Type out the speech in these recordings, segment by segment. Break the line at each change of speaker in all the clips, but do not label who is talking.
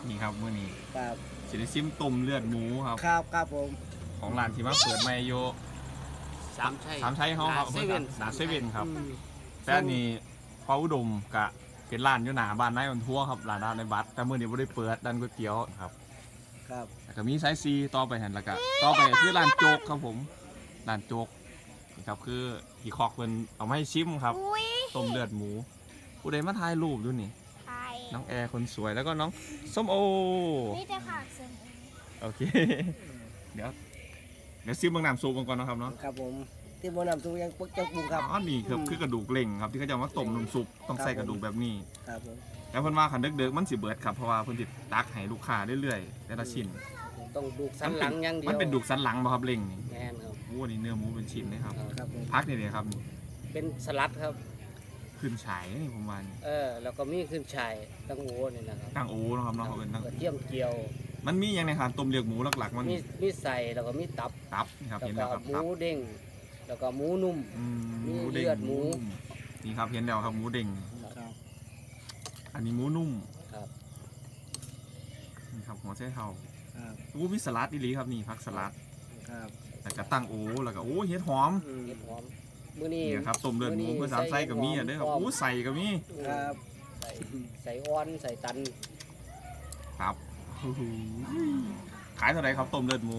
นี่ครับมื้อนี้
ครับ
สิได้ซิมต้มเลือดหมูครับ
ครับผม
ของร้านที่มาเปิดใหม่อยู่
สาม
ชัยเฮาครับ
เซเว่น
หน้าเซเว่นครับแต่อันนี้พระอุดมกะเป็นร้านอยู่หน้าบ้านนายวันทั่วครับร้านในบัตรแต่มื้อนี้บ่ได้เปิดร้านก๋วยเตี๋ยวครับแล้วก็มีไซซีต่อไปหั่นแล้วก็ต่อไปคือร้านโจ๊กครับผมร้านโจ๊กนี่ครับคือพี่คอกเพิ่นเอามาให้ชิมครับต้มเลือดหมูผู้ใดมาถ่ายรูปอยู่นี่น้องแอร์คนสวยแล้วก็น้องส้มโอ
นี่จะขาดเส้น
โอเคเดี๋ยวซิมบางน้ำซุปก่อนนะครับเนาะ
ครับผมที่บนน้ำซุปยังปุ๊กจังปุงครับ
อ๋อนี่ครับคือกระดูกเล่งครับที่เขาจะมาต้มน้ำซุปต้องใส่กระดูกแบบนี้
ครับผม
แล้วเพิ่นว่าขันเด็กๆมันสิเบิดครับเพราะว่าเพิ่นสิตักให้ลูกค้าเรื่อยๆแต่ละชิ้น
ต้องดูสันหลังอย่างเดียว
มันเป็นดูกสันหลังป่ะครับเล่งนี่
แม่นครับ
โอ้นี่เนื้อหมูเป็นชิ้นนะครับ
ครับ
พักนี่เลยครับนี่
เป็นสลัดครับ
ขึ้นฉายนี่ผมว่านี่
แล้วก็มีขึ้นฉายตั้งโอนี่นะครับ
ตั้งโอ้นะครับเนาะเขาเป็นตั้ง
กระเทียมเจียว
มันมีอย่างในการต้มเลือดหมูหลักๆมัน
มีใส่แล้วก็มีตับ
นี่ครับเห็นแล้วครับ
หมูเด้งแล้วก็หมูนุ่ม
มีเลือดหมูนี่ครับเห็นแล้วครับหมูเด้งอันนี้หมูนุ่ม
ครับ
นี่ครับหัวไชเท้ามีสลัดอีหลีครับนี่ผักสลัด
ครับ
แล้วก็ตั้งโอ้แล้วก็โอ้เห็ดหอม
มื้อนี้
ครับต้มเลือดหมูเพื่อสามไส้กับมีเด้อครับใส่กับมี
ครับ
ใส่อ้อนใส่ตัน
ครับขายเท่าไหร่ครับต้มเลือดหมู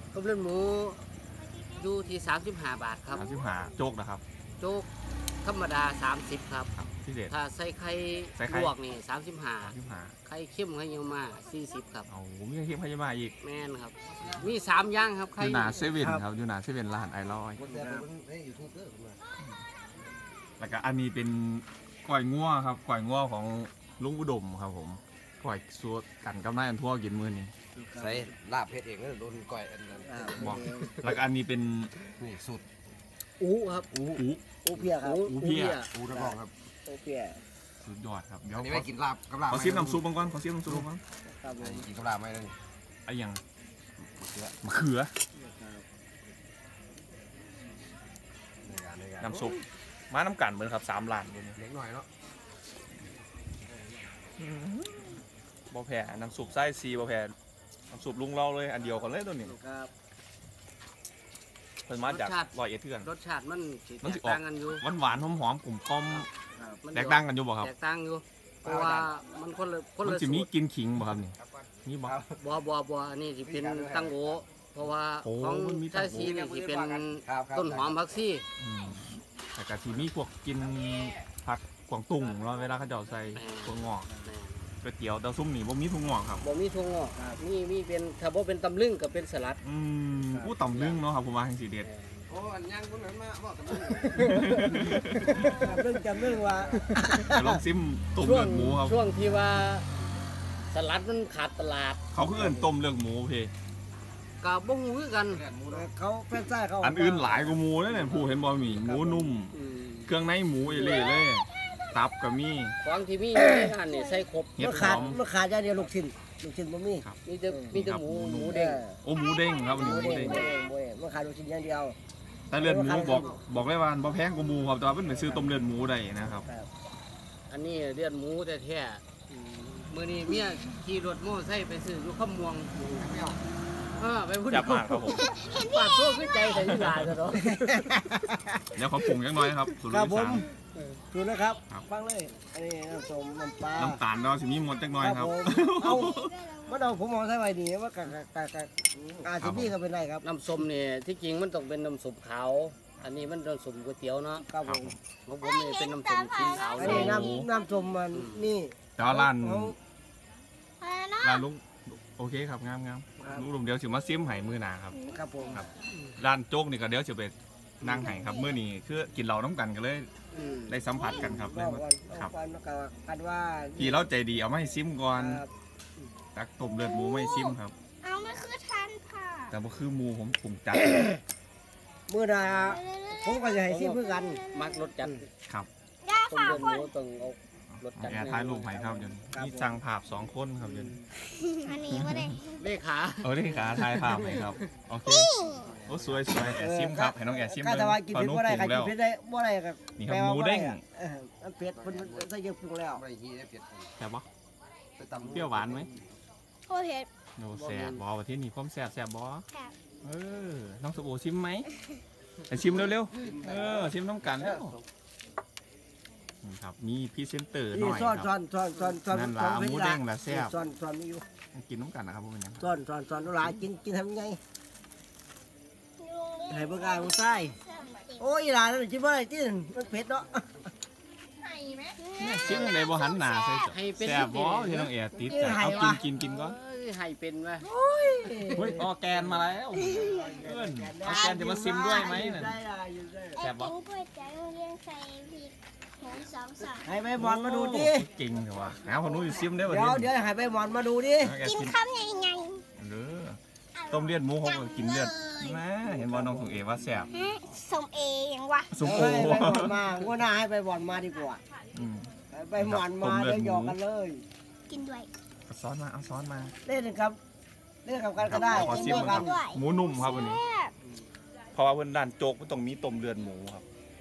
อยู่ที่35 บาทครับ
35โจ๊กนะครับ
โจ๊กธรรมดา30ครับ
พิเศษ
ถ้าใส่ไข่ลวกนี่35ไข่เค็มไข่เยี่ยวมา40ครับ
โอ้มีไข่เค็มไข่เยี่ยวมาอีก
แม่นครับมี3อย่างครับไข่
อยู่หน้าเซเว่นครับอยู่หน้าเซเว่นร้านไอร้อยแล้วก็อันนี้เป็นก๋วยงัวครับก๋วยงัวของลุงอุดมครับผมก๋วยสูตรกันกับนายอันทั่วกินมื้อนี้
ใส่ลาบเพชรเองแล้วโดนก๋วยอันนั้น
บอกแล้วก็อันนี้เป็น
นี่สุด
ครับ
อูเพียครับ
อูเพีย
นักร้องครับ
อูเพีย
สุดยอดครับเดี๋ยว
อันนี้ไม่กินลาบกับลาบ
ขอซิมน้ำซุปก่อนกิน
กับลาบไหมเลย
ไอ้ยังมะเขือน้ำซุปมาน้ำกันเหมือนครับ3 ล้าน
เล็กหน่อยเนาะ
บ่แพ้น้ำซุปไส้ซีบ่แพ้น้ำซุปลุงเราเลยอันเดียวกันเลยตัวนี้เพิ่นมาจาก101เทื่อน
รสชาติมันแตกต่างกันอยู่
หวานหอมๆกลุ่มแตกต่างกันอยู่บ่ครับ
แตกต่างอยู่เพราะว่ามันคนละ
มันสิมีกินขิงบ่ครับนี่มีบ่
อันนี้สิเป็นตั้งโอเพราะว่าของไทยซีนี่สิเป็นต้นหอมผักชี
แต่ก็สิมีพวกกินผักกวางตุ้งเนาะเวลาเขาเจ้าใส่ถั่วงอกก๋วยเตี๋ยวเต้าซุ่มนี่บ่มีถั่วงอกครับ
บ่มีถั่วงอกมีเป็นถ้าบ่เป็นตำลึงก็เป็นสลัด
อู้ตำลึงเนาะครับผมว่าแห่งสีเด็ด
โอ้อันยังคนนั้นมาบอกกัน
จำเรื่องว่า
ลองซิมต้มเลือดหมูครับ
ช่วงที่ว่าสลัดมันขาดตลาด
เขาคือเอิ้นต้มเลือดหมูเพ
ก็บ่ฮู้คือกัน
เขาแฟนซ่าเขา
อันอื่นหลายกว่าหมูเนี่ยผู้เห็นบ่มีหมูนุ่มเครื่องในหมูเอเล่เลยตับก็มี
ของที่มีในร้านนี่ใส่ครบ
มันขาดอย่างเดียวลูกชิ้นบ่มี
มีแต่หมูเด้ง
หมูเด้งครับหมูเด้ง
มันขาดลูกชิ้นอย่างเดียว
แต่เลือดหมูบอกเลยว่าบ่แพงกว่าหมูครับแต่ว่าเพิ่นไปซื้อต้มเลือดหมูได้นะครับ
อันนี้เลือดหมูแท้ๆมื้อนี้เมียขี่รถมอเตอร์ไซค์ไปซื้ออยู่คำม่วงไปพูด
จับมากครับผม
ปากโซ่ขึ้นใจใส่ยีราซะเนาะ
เดี๋ยวขอปรุงจังหน่อยครับสูตรที่3
ดูนะครับฟังเลยอันนี้น้ำส้มน้ำปลา
น้ำตาลเราสิมีหมดจังหน่อยครับ
เอาผมมองใส่ไว้ดีว่ากะอาชิบี้ก็เป็นไรครับ
น้ำส้มเนี่ยที่จริงมันต้องเป็นน้ำส้มขาวอันนี้มันน้ำส้มก๋วยเตี๋ยวเนาะ
ครับผม
ของผมนี่เป็นน้ำส้มสีขาว
อันนี้น้ำส้มมันนี่
แต่ว่าร้านลุงโอเคครับงามลุงเดี๋ยวสิมาซิมไห่มือหนาครับ
ครับผม
ร้านโจ๊กนี่ก็เดี๋ยวจะไปนั่งไห่ครับมื้อนี้คือกินเหล้าน้ำกันกันเลยได้สัมผัสกันครับ
ครับกันว่า
พี่เราใจดีเอามาให้ซิมก่อนตักต้มเลือดหมูไม่ซิมครับ
เอาไม่คือทันค่ะ
แต่ว่าคือหมูผมปรุงจัด
มื้อหน้าผมก็จะให้ซิมเพื่อกัน
มักรสจัด
ครับ
ต้มเลือดหมูต้องเอารสจัด
แอร์ท้ายลูกไผ่ครับเดี๋ยวนี่สั่งภาพ2 คนครับเดี๋ยว
อันนี้ไม่ได้
เลขา
เลขาท้ายภาพไหมครับโอเคโอ้สวยแอร์ซิมครับให้น้องแอร์ซิมเลย
พอนุ่มปรุงแล้วกินได้บ่ได้ครับ
นี่ครับหมูเด้ง
มันเผ็ดมันใส่เยอะปรุงแล้ว
ใช่ปะเปรี้ยวหวานไหม
โอเค
โนแซ่บบอว่าที่นี่ความแซ่บบอ
ค่ะ
น้องสบู่ชิมไหมไปชิมเร็วๆชิมน้ำกันแล้วนี่ครับมีพรีเซนเตอร์หน่
นี่
อย
ซ้อน
ครับ นั่นล่ะหมูแดงล่ะแซ่บ
ซ้อนนี่อยู่
กินน้ำกันนะครับพวกมันยัง
ซ้อนหลายกินทำไง
ลุง
ให้เบิ่งอายของใต้โอ้ยหลานนั่นสิบ่ได้ติมันเผ็ดเนาะ
ชิมอะไรบ่หันหน้าใส่จ้ะ
ให้เป็น
แซ่บบอที่น้องแอร์ติดใจเอากินก่อน
เอ้ยให้เป็นวะ
เฮ้ยออร์แกนมาแล้วเพื่อนออร์แกนจะมาซิมด้วยไหมน่ะ
ได้
ไอ้กินก๋วยเตี๋ยวโรงเรียนใส่พริกหมูสองสาม
ให้ใบหมอนมาดูดิ
เก่งเหรอวะเอาคนนู้นซิมได้ป่ะ
เดี๋ยวให้ใบหมอนมาดูดิ
กินข้าวยังไง
เด้อต้มเลือดหมูเขาก็กินเลือดนะเห็นว่าน้องสุงเอว่าแซ่บ
ฮะสมเอยังวะ
สุงโอ
ให้ใบหมอนมาว่าน่าให้ใบหมอนมาดีกว่า
อืม
ให้ใบหมอนมาเดี๋ยวหยอกกันเลย
กินด้วย
เอาซ้อนมาเอาซ้อนมา
เล่นกับกันก็ได้
ขอซิม
เล่น
ค
กั
รั
น
บหมูนุ่มครับวันนี้ เพราะว่าเพิ่นด้านโจ๊กมันต้องมีต้มเลือดหมูครับ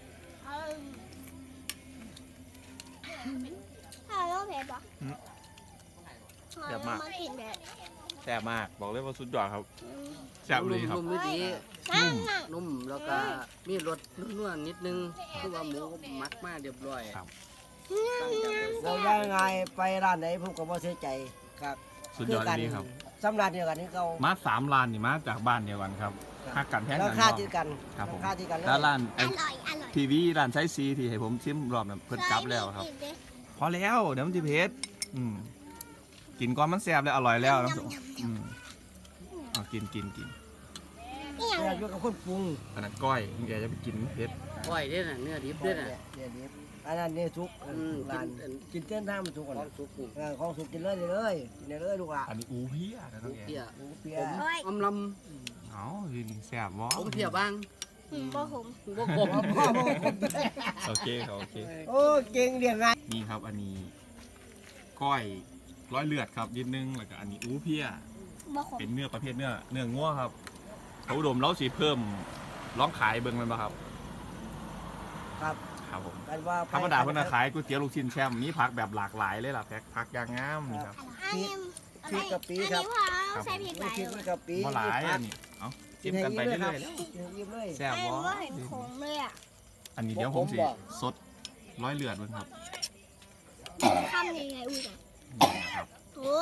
ถ้าเราเผ็ดปะ
แซ่บมาก
มากินเผ็ด
แซ่บมากบอกเลยว่าสุดยอดครับแซ่บเลยครับ
นุ่มๆนิดนี้
นั่นน่ะ
นุ่มแล้วก็มีรสนุ่มๆนิดนึงคือว่าหมูก็มักมาเรียบร้อย
ครับ
เรายังไงไปร้านไหนผมก็บ่เสียใจครับ
สุดยอดเลยครับ
สำหรับเดียวกันนี่เขา
มา3 ร้านนี่มาจากบ้านเดียวกันครับหักกันแพ้ง
รา
กัน
คา
เนาะ
ที่กัน
ครับผม
ราคาที่กันเลย
แล้วร้าน
อร่อยอร่อย
ทีวีร้านไซซีที่ให้ผมชิมรอบนั้นเพิ่นกลับแล้วครับ พอแล้วเดี๋ยวมันจะเผ็ดกินก่อนมันแซ่บแล้วอร่อยแล้วน้ำซุปเอากิน
นี่ยัง
อยากอยู่กับคนปรุง
อันนั้นก้อยแกจะไปกินเผ็ด
ก้อยเด้อน่ะเนื้อดิบเด้อน่ะ
เนี่ยดิบอันนั้นเนี่ยสุก
กิน
ร้านกินเต้นท่ามันสุกก่อน
ของสุกนี่
ของสุกกินเลยเลยกินเลยลูกอ่ะ
อันนี้อูเพียนะน้องแก
เพีย
หมูเปีย
อำล
เอากินแซ่บบ่
ำผมเพียบ้าง
บ่ผม
บ่ขม
พ่อพ่อ
โอเคครับโอเค
โอ้เก่งเรียงไง
นี่ครับอันนี้ก้อยร้อยเลือดครับนิดนึงแล้วก็อันนี้อูเพีย
บ่ผม
เป็นเนื้อประเภทเนื้องัวครับเขาอุดมเราสิเพิ่มร้องขายเบิ่งมันป่ะครับ
ครับ
ครับผม
กันว่า
ธรรมดาเพิ่นนะขายก๋วยเตี๋ยวลูกชิ้นแช่มมีผักแบบหลากหลายเลยล่ะแพ็คผักอย่างงามนี่ครับ
อันนี้
พริกกะปิ
อัน
ครับ
นี้พอใส่พริกห
มี
ลาย
พริก
เลย
กะปิ
บ่หลายอันนี้เอ้าจิ้มกันไปเรื่อยๆแล้ว
ยิ้มเลย
แซ่บ
อัน
บ่
นี้ว่าเห็นผงเลยอ่ะ
อันนี้เดี๋ยวผมสิสดร้อยเลือดเบิ่งครับ
ทำยังไงอุ้ยอ่ะ
นี่นะครับ
โอ้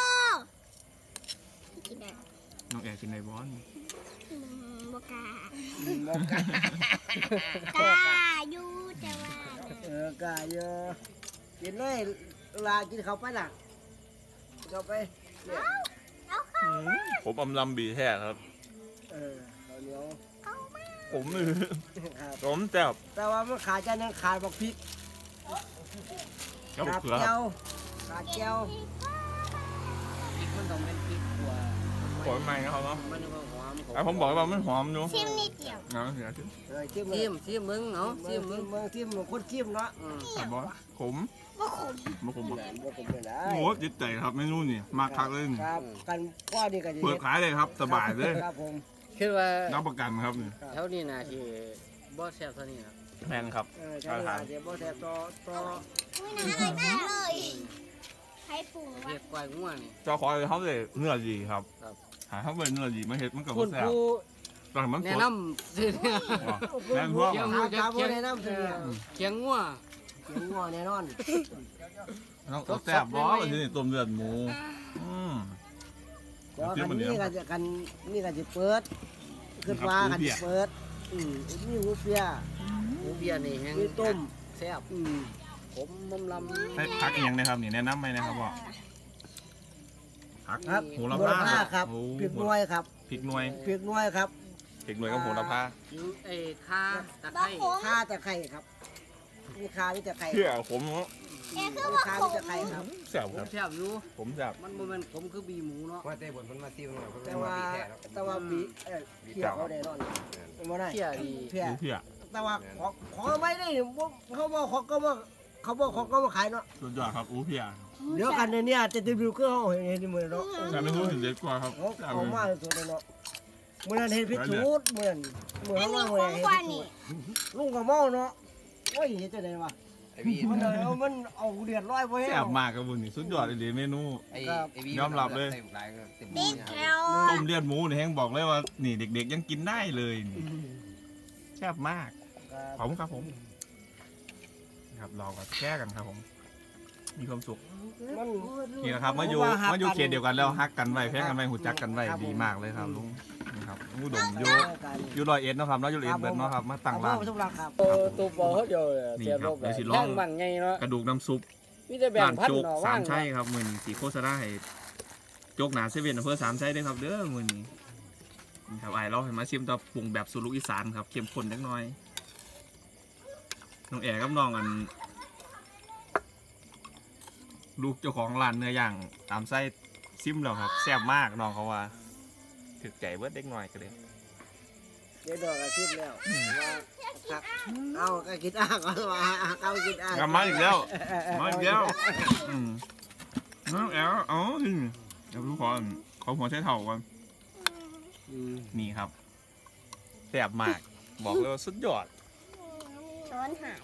กินได้
น้องแอร์กินในบอน
บกา
บอกกัน
กาอยู่แต่ว่า
กะเยอะกินเลยลากินเขาไปล่ะเข้าไปเนี่ย
ผมอำลำบีแท้ครับ
ข้าวเหนียว
ผมมือ
ครับ
ผมแซ่บ
แต่ว่ามันขาดจานนึงขาดบอกพริก
กับ
ขาด
เขือค
เจี
รั
ย
บ
วขาดเจียว
พริกมันต้องเป็นพริกขัว
ขอใหม่นะครับเนาะ
มันก็หอม
ไอ้ผมบอกว่ามันหอมอยู่
ชิมนิดเดียว
นะเสียชื่อ
จิ้ม
ซิมมึงเนาะซิ
จิ้
ม
ม
มึง
เมืองจิ้มคนจิ้มเนาะ
แต่บอขม
บ่ขม
บ่ขมบ่
บ่ผมเป็นไร
โอ้โหจิตใจครับเมนูนี่มากคักเลยนี่
ครับกันก้อนนี่ก็จะ
เปิดขายเลยครับสบายเลย
ครับผม
คิดว่า
รับประกันครับนี่
แถวนี้น่าที่บ่แซ่บเท่านี้นะ
แพงครับ
ใช่ค่ะเดี๋ยวบ่แซ่บต่อ
อุ้ยน่าอร่อยมากเลยใครปรุงวะ
เรียกกล้วยง่วงนี่
เจ้าขอให้เขาเลยเนื้อดีครับ
ครับ
หาเขาเป็นเนื้อดีมาเฮ็ดมันก็
คุ
บ่
ณ
แซ่บ
ครู
ตอนมันส
แนะ
ด
นำซื้อเนี่ย
แม่นพวก
เดี๋ยว
ถามบ่ได้นำเสีย
เคียงง่วง
เสียงงัวแน่นอน
น้องแซ่บบ่ทีนี้ต้มเลือดหมู
เดี๋ยวกันนี้ก็จะกันนี่ก็จะเปิดขึ้นว่ากันจะเปิดมีหูเปีย
หมูเบียร์นี่แห้ง
มีต้ม
แซ่บผมมำลำ
ให้พักอีกอย่างนะครับนี่แนะนำไหมนะครับว่าพัก
ครับ
โหระพา
ครับ
โอ้
พริกน้อยครับ
พริกหน่วย
พริกน้อยครับ
พริกหน่วยกับโหระพา
ไอ้ข่าตะไค
บ่
ร้
ขม
ข่าตะไคร้ครับมีข่ามีตะไคร้
เชื่อผม
เอ๊ะคือ
มี
ว่า
ข่า
ข
มี
ม
ตะไคร้ครับ
แซ่บ
ผ
ค
ม
รับ
แซ่บอยู่
ผมแซ่บ
มันบ่แม่นผมคือบีหมูเนาะ
ว่าเต้บนมันมาซิวหน่อยเพราะ
แต่
ว่า
ว่า
บีแท้แล้ว
แต่ว่าบีเที่ยวเขาได้นอนไม่ได้
เที่ยดี
เพี้ย
ดูเพื่อ
แต่ว่าของไม่ได้เขาบอกเขาก็ว่าเขาบอกเขาก็มาขายเนาะ
สุดยอดครับอู้เพีย
เดี๋ยวกันเนี่ยจะติดวิวก็เขาเห็นที่มือเนาะ
แต่ไม่รู้เห็นเด็ดกว่าครับ
เขามาสุดเลยเนาะเมื่อนั้นเห็นพิจูดเมื่อ
อัน
ว่า
นี้
เมื่อ
ขมกว่านี่
ลุงกับเมาเนาะโอ้ยเห็นจะไหนวะ
ไอ้พี่
มันเอาเดือดร้อยไว้
แซ่บมากครับบุญนี่สุดยอดเลยเมนู
ไอ้พี่
ยอมรับเลย
เต็ม
ติดแถว
ต้มเลือดหมูนี่แห้งบอกเลยว่านี่เด็กๆยังกินได้เลยนี่แซ่บมากขอบคุณครับผมครับลองกับแช่กันครับผมมีความสุข
มัน
นี่แหละครับมาอยู่เขตเดียวกันแล้วฮักกันไว้แพ้กันไว้หูจักกันไว้ดีมากเลยครับลุงนี่ครับอุดมอยู่ร้อยเอ็ดเนาะครับเนาะอยู่ร้อยเอ็ดเบิดเนาะครับมาตั้งร้าน
ทุกร้านครับ
ตัวบอเขาเดียว
นี่
เสีย
ครับ
บ
เดี๋ยวสิลอง
แท่งบังไงเนาะ
กระดูกน้ำซุป
มีแต่แบ่ง
ร้าน
พัน
โจ๊ก
เนาะ
สา
ว่าง
มชัยครับมือนี้สีโฆษณาให้โจ๊กหนาเซเว่นอำเภอสามชัยด้วยครับเด้อมือนี้นี่ครับไอ้เราให้มาชิมต่อปรุงแบบสูตรลูกอีสานครับเข้มข้นเล็กน้อยน้องแอ๋กับน้องอันลูกเจ้าของร้านเนื้อย่างตามไส้ซิมแล้วครับแซ่บมากน้องเขาว่าถึกใจเบิดเด็กน้อยกันเลย
เดี๋ยวดอกอาทิตย์แล้วว่าครับเอาก็กินอ่างเอากินอ่าง
กลับมาอีกแล้วมาอีกแล้วน้องแอ๋เอาเดี๋ยวทุกคนขอหัวใช้เถ่าก่อนนี่ครับแซ่บมากบอกเลยว่าสุดยอด
ช้อนหาย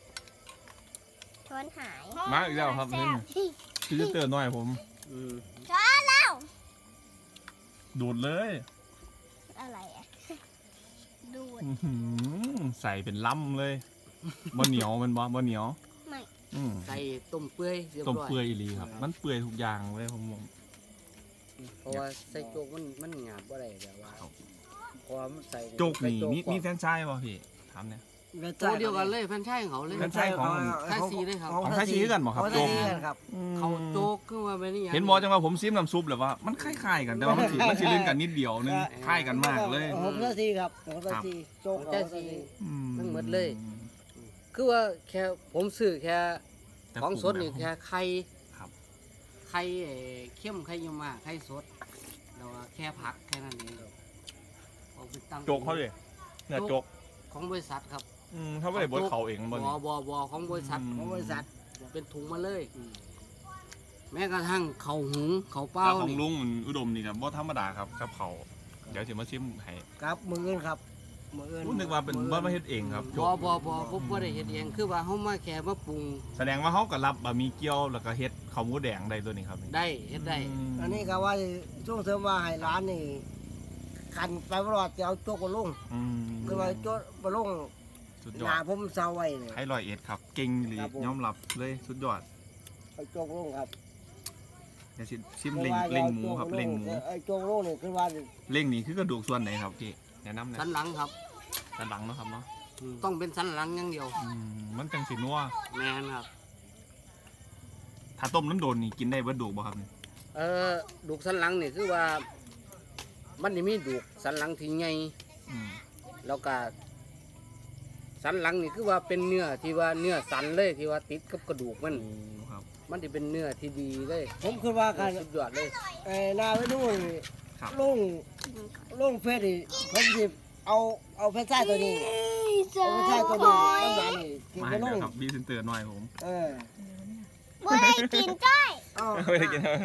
มาอีกแล้วครับนี่พี่จะเตือนหน่อยผม
ช้อนแล้ว
ดูดเลย
อะไรอ่ะดูด
อื้อหือใส่เป็นล้ำเลยบะเหนียวมันบะเหนียว
ไม่
ใส่ต้มเปื่อยเรียบ
ต้ม
ร้อย
เปื่อยอีหลีครับ มันเปื่อยทุกอย่างเลยผมบอก
เพราะว่าใส่โจ๊กมันหยาบอะไรแบบว่าเพราะว่ามันใส่
โจ๊กนี่
ใส่
มีแฟรนไชส์ป่ะพี่ถามเนี่ย
ตัวเดียวกันเลยแฟนชายของเขาเลย
แฟรนไชส์ของ ของไทยซีกันบ่ครับ
ของไท
โจ๊
ย
ก
ซีกันครับ
เขาโจ๊กขึ้นมาเป็นอย่าง
เห็นบอกจังว่าผมซิมน้ำซุปเลยว่ามันคล้ายๆกันแต่ว่ามันสิเล่นกันนิดเดียวนึงคล้ายกันมากเลย
ของไทยซีครับของไทยซีโจ๊กของไทยซี
ทั้งหมดเลย คือว่าแค่ผมซื้อแค่
แต่
ของสดนี่แค่ไข่
ครับ
ไข่เข้มไข่ยมมาไข่สดแล้วก็แค่ผักแค่นั้นเองเอาไปตั้ง
โจ๊กเขาเลยเนี่ยโจ๊ก
ของบริษัทครับ
เขาไม่ได้บดเขาเองบน
บอของบริษัท
ของบริษัท
เป็นถุงมาเลย แม้กระทั่งเขาวหุงเขาวเป้า
แล้วของ
นี่
ลุงมันอุดมนี่ครับบ่ธรรมดาครับกับเขาเดี๋ยวจะมาชิมให้
ครับมือเงินครับมือเงิน
นึกว่าเป็นบ้านมาเฮ็ดเองครับโจ๊
บ
ก
ผมบ่ได้เฮ็ดเองคือว่าเฮามาแค่มาปรุง
แสดงว่าเขาก็รับบะหมี่เกี๊ยวแล้วก็เฮ็ดข้าวหมูแดงได้ตัวนี้ครับ
ได้เฮ็ดได้
อันนี้ก็ว่าช่วงเทอมว่าให้ร้านนี่กันไปตลอดจะเอาโจ๊กมาลงคือว่าโจ๊กมาลง
สุด
ห
ยอ
นา
ด
ผมเซาไว้เลย
ให้ร้อยเอ็ดครับ เก่งหรือ
ครับผม
ยอมรับเลยสุดยอด
เอาโจ๊กลงครับ
เดี๋ยวชิมเล็งหมูครับเล็งหมู
ไอ้โจ๊กลงนี่คือว่า
เล็งนี่คือกระดูกส่วนไหนครับพี่แนะนำหนะ
สันหลังครับ
ด้านหลังเนาะครับเนาะ
ต้องเป็นสันหลังอย่างเดียว
มันจังสินัว
แม่นครับ
ถ้าต้มน้ำโดนนี่กินได้เบิดดูกบ่ครับนี่
ดูกสันหลังนี่คือว่า มันนี่มีดูกสันหลังที่ใหญ่
อืม
แล้วก็สันหลังนี่คือว่าเป็นเนื้อที่ว่าเนื้อสันเลยที่ว่าติดกับกระดูกมัน
โอ้ครับ
มันจะเป็นเนื้อที่ดีเลย
ผมคือว่ากัน
สุดยอดเลย
หนาไว้นู่น
ครับ
ลงเฟซนี่ผมสิเอาแฟนชายตัวนี้
เจอ
เอาแฟนชายตัว
ค
นี้
อย
ตั้งนานนี่กิน
มา
ไป
ให้
ล
แล้ว
ง
ครับบีเซนเตอร์หน่อยผม
บ่ได้กินจ้อย
เอา
ไม่ได้กินครับ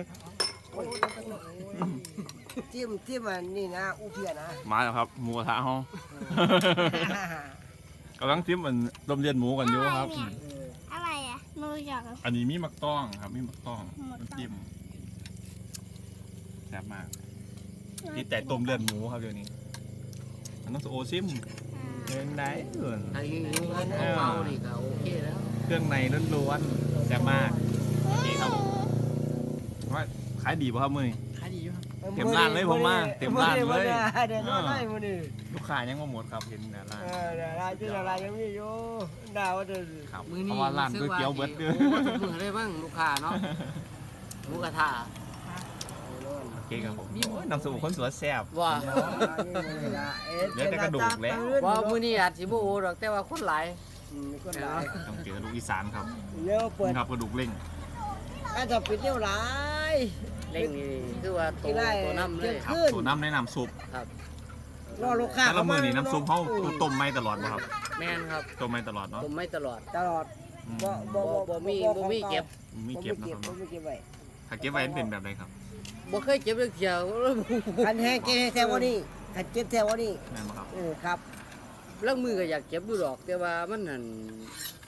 จิ้มมันนี่นะอูเพียนะ
มาแล้วครับหมูกระทะห้องกำลังจิ้มมันต้มเลือดหมูกันอยู่ครับ
อะไรอ่ะไม่รู้จัก
อันนี้มีมักต้องครับมีมักต้องน้ำจิ้มแซ่บมากที่แต่ต้มเลือดหมูครับเดี๋ยวนี้มันต้องโอซิมเป็นไงเอิ่น
ไอ้ยูเขาเมานี่ก็โอเคแล้ว
เครื่องในล้วนๆแซ่บมากโอเคครับผมว่าขายดีป่ะครับมือนี้
ขายดีอยู่ครับ
เต็มร้านเลยผมมาเต็มร้านเลย
เดี๋ยวน้อยมื้อนี้
ลูกค้ายังมาหมดครับเห็นนะร้าน
เดี๋ยวร้านชื่ออะไรยังมีอยู่ดาวว่าจะ
ครับ
มือ
เพ
นี้
ราะว่าร้านก๋วยเตี๋ยวเบิดเด้อ
โอ้ทุกมือเลยบ้างลูกค้าเนาะหมูกระทะ
โอเคครับผมโอ้ยน้ำซุปคนสวยแซ่บ
ว่า
เหลือแต่กระดูกแล้ว
ว่ามือนี้อาจสิบ่โอ้ดอกแต่ว่าคนหลาย
คนหลาย
ต้องเจอลูกอีสานครับ
เร็วเปิด
นี่ครับกระดูกเล่ง
อาจจะปิดเร็วหลาย
เล่งนี่คือว่าโต
ที่ได้
ตัวน้ำเลย
ครับ
ขึ้น
ตัวน้ำในน้ำซุป
ครับ
รอลูกค้า
แต่ละมือนี่น้ำซุปเขาต้มไม่ตลอดนะครับ
แม่นครับ
ต้มไม่ตลอดเนาะ
ผมไม่ตลอด
ตลอด
อืม
บ่มีเก็บ
มีเก็บนะครับ
ผมไม่เก็บไว้
ถ้าเก็บไว้มันเป็นแบบไรครับ
บ่เคยเก็บเรื่องเที่ยว
คันแห้งเก็บแถวนี้คันเก็บแถวนี้
แม่นบ่ครับ
ครับ
เรื่องมือก็อยากเก็บดูดอก แต่ว่ามันนั่น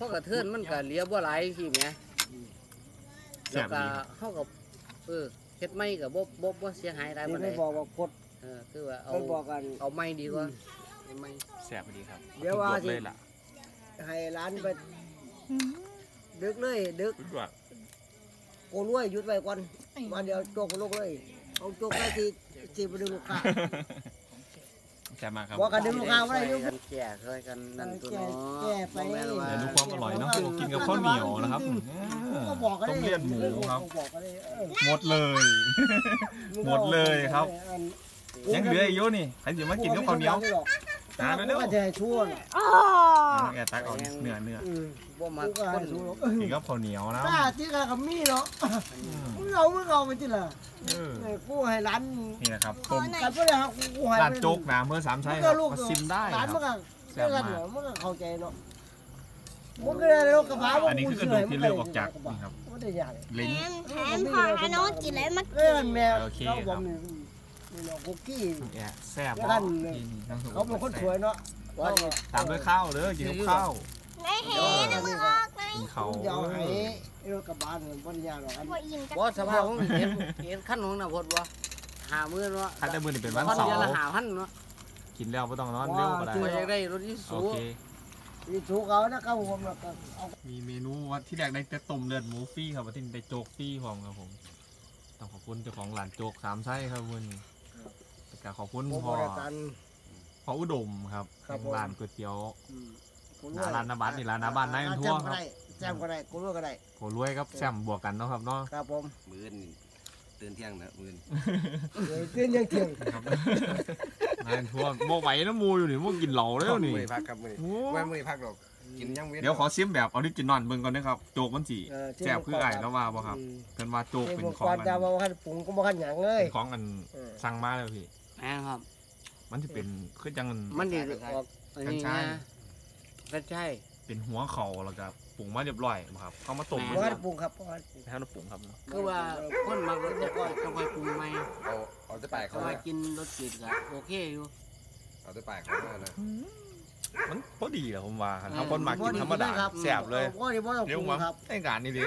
ราะกระเทือนมันก็เหลียบ่หลายสิแหม
แซ่
แล้ว
บ
ก็
ดีครับ
เฮาก็เฮ็ดไม่ก็บ่เสียหายหลาย
ที่
ปานใด
ไม่บอกว่ากด
คือว่าเอา
ไม่บอกกัน
เอาไม่ดีกว่าเอาไม่
แซ่บดีครับ
เดี๋ยวว่า
จบ
สิ
เลยล่ะ
ให้ร้านไปดึกเลยดึก
คิดว่า
โกล้วยหยุดไว้ก่อนวันเดียวโจกลูกเลยเอาโจกได้ที่ไปดูลูกค้า
แซ่บมากครับ
ว่ากันดึงลูกค้าว่าได้ดึง
กันแก่เคยกันนั่นตัวเนาะ
แก่ไป
บ่แม่นว่า
เดี๋ยวดูความอร่อยเนาะกินกับข้าวเหนียวนะครับ
ก็บอกกัน
ต้มเลือดหมูครับ
บอกกันเลย
หมดเลย หมดเลยครับ ยังเหลืออีกเยอะนี่ใครจะมากินกับข้าวเหนียวหาไปเร็ว
ก็จะให้ชั่วน่ะ
แกตักเอาเนื้อ
บ่มา
กูก็
ค
ให้
น
ชั่วหรอก
กินกับข้าวเหนียวนะ
ถ้าที่กกับมีเนาะมึงเอาไปที่ละกูให้ร้าน
นี่นะครับต้ม
กันก็เลยครับกูให้
ร้านโจ๊กนะเมื่อสามใช่ครับมาซิมได้ค
ร้า
รั
น
บ
มันก็
แซ่บ
กัน
มา
เหร
ก
อมันก็เข้าใจเนาะมันก็เลยรถกระบะ
อันนี้คือกระดูกที่เลือกออกจากนี่ครับ
ไม่ได้ยาก
ลิ้น
แถมพอให้น้องกินเลยมา
เล่นแมว
โอเค
เขา
ครับ
บอกนี่เนาะคุกกี้
แอะแซ่บ
แล้ว
มา
กั
ก
น
นี่ทั้งสอง
เขาเป็นคนสวยเนาะ
ตามด้วยข้าวเด้อกินกับข้าว
ไม่เห็นนะมึงออกไหม
กินข้าว
เดี๋ยวให้รถกระบะเนี่ยไม่ได้ยากหรอกอัน
พออิ่มกัน
บ่สภาพของเห็นขั้นของน่ะพดบ่50,000เนาะ
คันแต่มือนี่เป็นวัน
คน
เสา
เดียว
ร์
ละ5,000เนาะ
กินแล้วไม่ต้องนอนเร็วก็ได้
บ่อยากได้รถที่
โอ
สูง
เค
มีชูเขานะครับผมแล้วก็เอา
มีเมนูว่าที่แรกได้แต่ต้มเลือดหมูฟรีครับว่าที่ได้โจ๊กฟรีพร้อมครับผมต้องขอบคุณเจ้าของร้านโจ๊กสามไส้ครับวันนี้แล้วก็ขอบคุณ
โปรโม
พ่อ
ทกัน
พ่ออุดมครับ
ครับผม
ร้านก๋วยเตี๋ยว
กู
หน้าร้านนาบัตนี่ร้านนาบัตนายอันทั่วครับ
แซมก็ได้กูรู้ก็ได้
โหรวยครับแซมบวกกันเนาะครับเนาะ
ครับผม
มื้อนี่ตื่นเที่ยงนะมื้อ
เดี๋ยวขึ้นยังเที่ยง
ครับนายอันทั่วโมไหวน้ำมูอยู่นี่โมกินเหล่าแล้วนี่
มื้อพักครับมื้อ
โอ้
มื้อพักดอกกินยังเว้น
เดี๋ยวขอซิมแบบออริจินอลเบิ่งก่อนนะครับโจ๊กมันสีแซ่บคือไอ้แล้วว่าบ่ครับเพิ่นว่าโจ๊กเป็นของ
ก่อน
อัน
จะมาขั้นปรุงก็มาขั้นหยังเลย
เป็นของอันสั่งมาแล้วพี่
แม่ครับ
มันจะเป็นคือจัง
มันดีออกอันนี้นะก็ใช่
เป็นหัวเข่าแล้วก็ปรุงมาเรียบร้อยบ่ครับเอามาต้ม
บ่ขั้นปรุงครับบ่ขั้นปรุง
ให้เราปรุงครับเนาะ
คือว่าคนมารถจะค่อยต้องค่อยปรุงใหม่
เอาจะไป
เขา
เขา
ว่ากินรสจืดก็โอเคอยู่
เอาจะไปเขานะ
มันพอดีแหละผมว่าถ้าคนมากินธรรมดาแซ่บเลย
บ่ได้บ่ต้อง
เดี๋ยว
ปรุง
มา
ครับ
ไอ้การนี่ดิ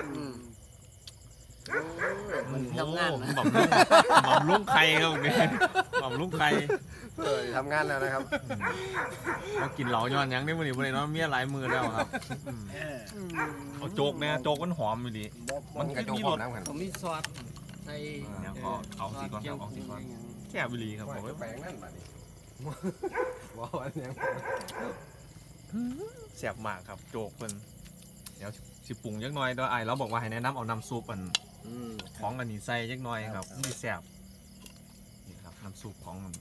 มันทำงานนะ
บำรุงไข่ครับผมเนี่ยบำรุงไข่
ทำงานแล้วนะครับ
มากินเหล่าย้อนหยังได้มื้อนี้บ่ได้เนาะเมียหลายมือแล้วครับเอาโจ๊กเนี่ยโจ๊กมันหอมอยู่ดิ
มันกระจกพร้อมน้ำกัน
ผมมีซอสใส่
เดี๋ยวขอเอาสิก่อนครับเอาสิก่อนแซ่บอีหลีครับผม
ไปนั่นบัดนี้บ่อันยัง
แซ่บมากครับโจ๊กเพิ่นเดี๋ยวสิปรุงจักหน่อยเด้ออ้ายเราบอกว่าให้แนะนำเอาน้ำซุปอันของอันนี้ใส่จักหน่อยครับมันสิแซ่บนี่ครับน้ำซุปของมัน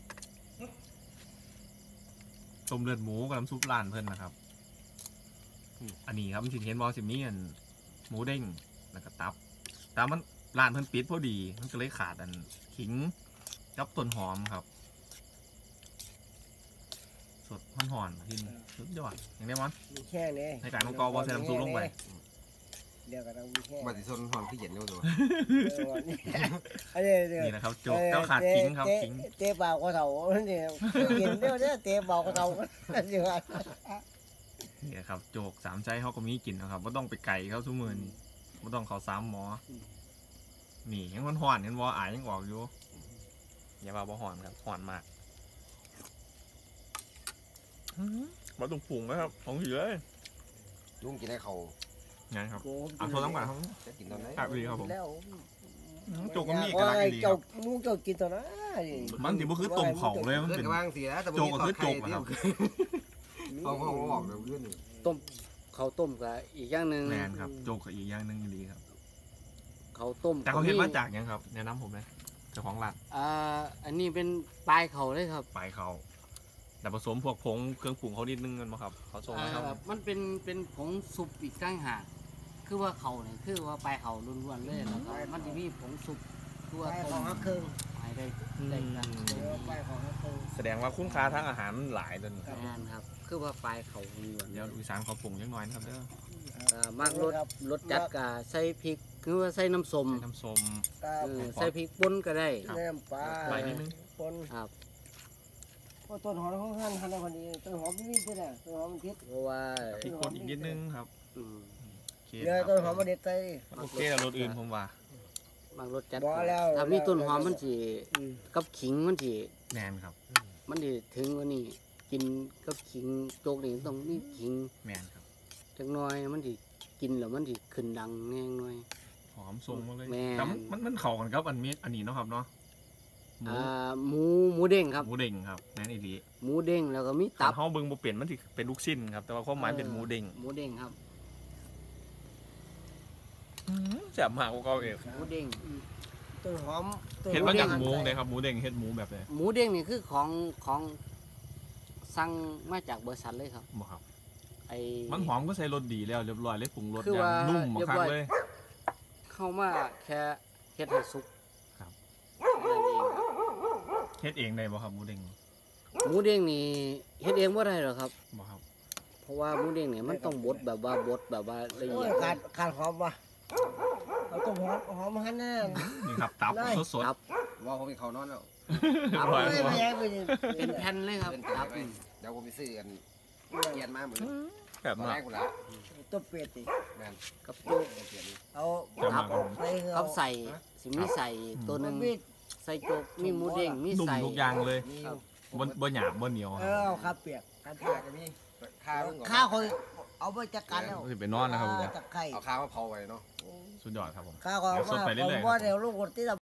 ต้มเลือดหมูกับน้ำซุปร้านเพิ่นนะครับอันนี้ครับมันสิเห็นบ่สิมีอันหมูเด้งแล้วก็ตับแต่มันร้านเพิ่นปิดพอดีมันก็เลยขาดอันขิงกับต้นหอมครับสดหอนๆที่นี่สุดยอดอย่างนี้มั้ง
มีแค่นี้
ในการของกอบอใส่น้ำซุปลงไป
เดี๋ยวกันเอามีแค่
บัดสิซนหอมขี้เย็นอยู่ตัว
อันนี้
นี่นะครับโจ๊กเจ้าขาดขิงครับขิง
เตะเบาก็เท่านี่กินเดี๋ยวเตะเบาก็เท่าสิว่า
นี่ครับโจ๊กสามใจเขาก็มีกินนะครับว่าต้องไปไก่เขาทุกมือนี่ว่าต้องเขาซ้ำหมอนี่ยังมันหอนเห็นว่าอายยังออกอยู่อย่าว่าบ่หอนครับหอนมากมาตรงปุ่งนะครับของเหลือ
ลุงกินให้เขา
งานครับเอาโทรน้ำก่อนครับ
จะกินตอนไหน
ครับดีครับผม
แล้ว
โจ๊กก็มีเอกลักษณ์ดีค
เจ้า
รับ
มูเจ้ากินตัวนะ
มันสิบ่คือต้มเขาเลยมัน
เพื่อน
เป็น
ก็วางสิแล้วแต่
โจ๊กก็คือโจ๊กนะครับ
เอาออกเดี๋ยวเพื่อน
เขาต้มกับอีกอย่างหนึ่ง
แมนครับโจ๊กกับอีกอย่างหนึงดีครับ
เขาต้ม
แต่เขาเห็นมาจากหยังครับแนะนำผมเลยเจ้าของร้าน
อันนี้เป็นปลายเขาเลยครับ
ปลายเขาแต่ผสมพวกผงเครื่องปรุงเขานิดนึงกันมั้งครับเขาส่งมาครับ
มันเป็นผงซุปอีกต่างหากคือว่าเขาเนี่ยคือว่าปลายเขาล้วนๆเลยแล้วก็มันจะมีผงซุปคือว่า
ไป
ต้
ของ
ม
ฮักเครื่อง
ไปได้ได้กัน
ไปของฮักเครื่อง
แสดงว่าคุณค่าทางอาหารมันหลายตัวนี้
งานครับ คือว่าปลายเขาล้วน
เดี๋ยวอีสานเขาปรุงยังน้อยนะครับเด้อ
มากรสจัดกับใส่พริกคือว่าใส่น้ำส้ม
ใส่น้ำส้ม
ใส่พริกป่นก็ได้
น้ำปลา
ใบนิดนึง
ปน
ครับ
พอต้นหอมของท่านทันในวันนี้ต้นหอมนี่ที่ไหนต้นหอมมันทิศ
เพราะว่า
พริกป่นอีกนิดนึงครับ
อืม
โอเค
เดี๋ยว
ครับ
ต้นหอมมาเด็ดใจ
โอเคกับรถอื่นผมว่า
บางรสจัด
บ่แล้ว
ถ้ามีต้นหอมมันสิกับขิงมันสิ
แนนครับ
มันสิถึงกว่านี้กินกับขิงโจกนี่ต้องมีขิง
แมนครับ
จักหน่อยมันสิกินแล้วมันสิขึ้นดังแน่หน่อย
หอมทรงมาเลย
แม่น
แต่มันเข้ากันครับอันนี้เนาะครับเนาะหมู
หมูเด้งครับ
หมูเด้งครับแม่นอีหลี
หมูเด้งแล้วก็มี
ตั
ตั
บบ เฮาเบิ่งบ่เปลี่ยนมันสิเป็นลูกชิ้นครับแต่ว่าความหมายเป็นหมูเด้ง
หมูเด้งครับ
แซ่บมากกว่าเก่าเอง
หมูเด้ง
ต้นหอม
เห็นมาจากหมูเลยครับหมูเด้งเฮ็ดหมูแบบไหน
หมูเด้งนี่คือของสั่งมาจากบริษัทเลยครับ
บ่ครับ
ไอ้
มันหอมก็ใส่รสดีแล้วเรียบร้อยเลยปรุงรส
คือ
อย่าง
ว่า
นุ่ม
เรียบ
มาก
ร้อย
เลย
เข้ามาแค่เฮ็ดให้สุก
ครับ
นั่นเองครับ
เฮ็ดเองได้บ่ครับหมูเด้ง
หมูเด้งนี่เฮ็ดเองบ่ได้หรอกครับ
บ่ครับ
เพราะว่าหมูเด้งเนี่ยมันต้องบดแบบว่าละ
โอ้
เอี
ย
ยด
ขาดหอมว่ะเอาต้นหอมหันแน่
นี่ครับตับ
ได้
สด
ครับ
ว่าผมมีเขานอนแล้ว
ครับ
อร่อย
ไม่แย่ไปดิ
เป็นแผ่นเลยครับ
เป็น
ครับ
ไปเดี๋ยวผมไปซื้อกันเกียนมาเหมือน
ๆแบบ
ตอน
มา
แร
ก
กกูละ
ต้นเป็ดดิ
แม่น
กับจุ
เกียน
เอา
แบบมากครับผม
ใส่
กับใส่สิมีใส่ตัวหนึง
มีด
ใส่โจกมีหมูเด้งมี
นุ่ม
ใส่
ทุกอย่างเลย
มี
บ่หยาบบ่เหนียวค
เอ
รับ
อเอาข้าวเปียกข้าวเปี
ข้าย
ก
ก็มีข้าวเพิ่งก่อน
ข้าวคนเอาไปจัดการแล้ว
สิไปนอนนะครับผม
จัดไข่
เอาข้าวมาเผาไว้เนาะ
สุดยอดครับผม
ข้าวก็
เดี๋ยวสดไปเรื่อยๆ
ว่าเดี๋ยวลูกคนที่